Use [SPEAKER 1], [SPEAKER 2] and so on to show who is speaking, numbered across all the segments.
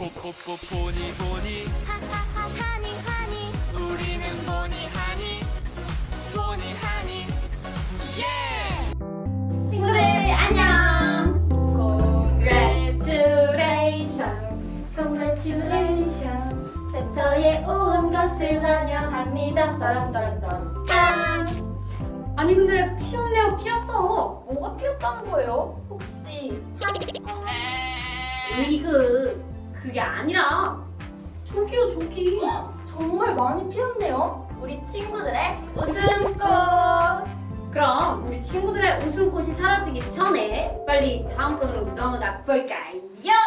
[SPEAKER 1] 보니 보니
[SPEAKER 2] 하니 하니
[SPEAKER 1] 우리는 보니 하니 예!
[SPEAKER 3] 친구들 안녕. Congratulations 센터에 온 것을 환영합니다. 따란따란따란. 짠. 아니 근데 피었네요. 피었어. 뭐가 피었다는 거예요? 혹시 으이그 그게 아니라 저기요 저기. 정말 많이 피었네요. 우리 친구들의 웃음꽃. 그럼 우리 친구들의 웃음꽃이 사라지기 전에 빨리 다음 편으로 넘어가 볼까요?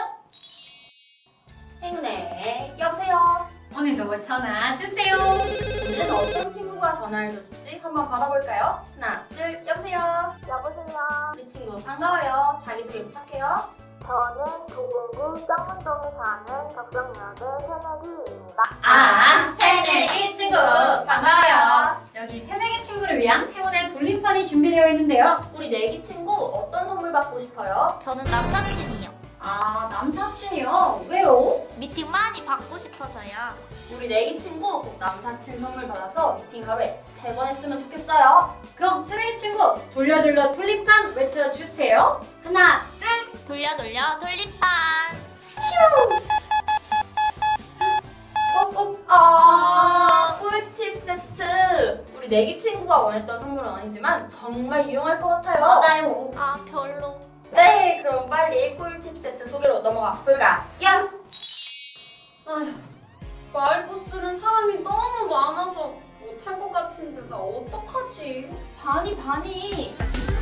[SPEAKER 3] 행운의 여보세요. 오늘도 전화 주세요. 오늘은 어떤 친구가 전화를 줬을지 한번 받아볼까요? 하나, 둘, 여보세요.
[SPEAKER 4] 여보세요.
[SPEAKER 3] 우리 친구 반가워요. 자기소개 부탁해요.
[SPEAKER 4] 저는 도봉구 쌍문동에 사는 덕성여대 새내기입니다.
[SPEAKER 3] 새내기 친구 반가워요. 여기 새내기 친구를 위한 행운의 돌림판이 준비되어 있는데요. 우리 내기 친구 어떤 선물 받고 싶어요?
[SPEAKER 2] 저는 남사친이요.
[SPEAKER 3] 남사친이요? 왜요?
[SPEAKER 2] 미팅 많이 받고 싶어서요.
[SPEAKER 3] 우리 내기 친구 꼭 남사친 선물 받아서 미팅 하루에 3번 했으면 좋겠어요. 그럼 새내기 친구 돌려 돌림판 외쳐주세요. 하나, 둘.
[SPEAKER 2] 돌려 돌림판.
[SPEAKER 3] 꿀팁 세트. 우리 내기 친구가 원했던 선물은 아니지만 정말 유용할 것 같아요.
[SPEAKER 2] 맞아요. 별로.
[SPEAKER 3] 네, 그럼 빨리 꿀팁 세트 소개로 넘어가 볼까요? 아휴, 말보스는 사람이 너무 많아서 못할 것 같은데 나 어떡하지? 반이.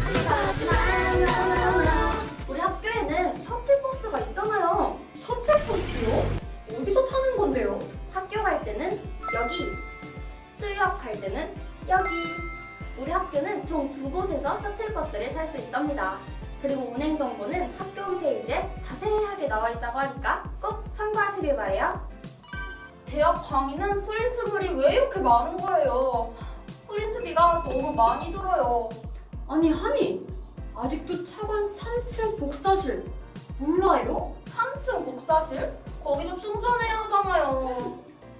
[SPEAKER 3] 우리 학교에는 셔틀버스가 있잖아요. 셔틀버스요? 어디서 타는 건데요? 학교 갈 때는 여기, 수유학 갈 때는 여기. 우리 학교는 총 2곳에서 셔틀버스를 탈 수 있답니다. 그리고 운행 정보는 학교 홈페이지에 자세하게 나와 있다고 하니까 꼭 참고하시길 바래요. 대학 강의는 프린트물이 왜 이렇게 많은 거예요? 프린트비가 너무 많이 들어요. 아니 하니, 아직도 차관 3층 복사실 몰라요? 3층 복사실? 거기도 충전해야 하잖아요.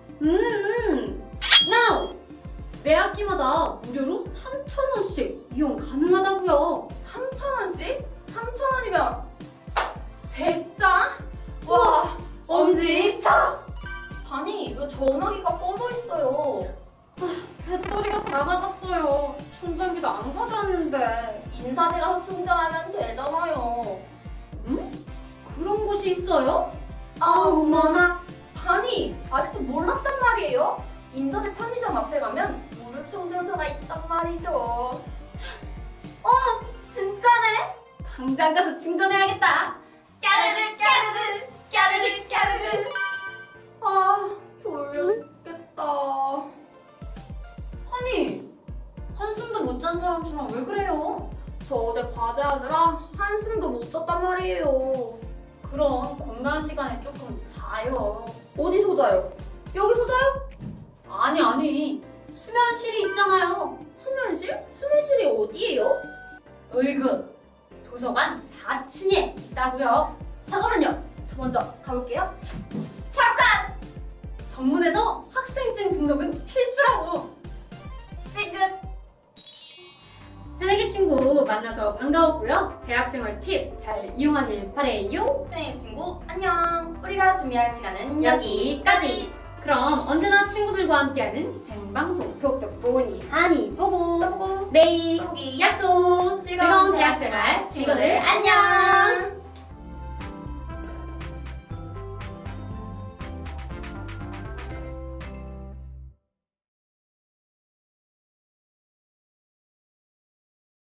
[SPEAKER 3] Now! 매 학기마다 무료로 3,000원씩 이용 가능하다고요. 3,000원씩? 3,000원이면 100장? 와, 엄지척! 아니, 왜 전화기가 꺼져 있어요? 배터리가 다 나갔어요. 충전기도 안 가져왔는데. 인사대 가서 충전하면 되잖아요. 그런 곳이 있어요? 어머나. 아니, 아직도 몰랐단 말이에요? 인사대 편의점 앞에 가면 무료 충전소가 있단 말이죠. 진짜네? 당장 가서 충전해야겠다. 까르르. 졸려 죽겠다. 하니, 한숨도 못 잔 사람처럼 왜 그래요? 저 어제 과제하느라 한숨도 못 잤단 말이에요. 그럼 공간 시간에 조금 자요. 어디서 자요? 여기서 자요? 아니. 수면실이 있잖아요. 수면실? 수면실이 어디예요? 으이그, 도서관 4층에 있다고요. 잠깐만요. 저 먼저 가볼게요. 잠깐! 정문에서 학생증 등록은 필수라고. 찡긋. 새내기 친구 만나서 반가웠고요. 대학생활 팁 잘 이용하길 바래요. 새내기 친구 안녕. 우리가 준비할 시간은 여기까지. 그럼 언제나 친구들과 함께하는 생방송 톡톡 보니 하니 보고 매일 보기 약속. 즐거운 대학생활 친구들 안녕.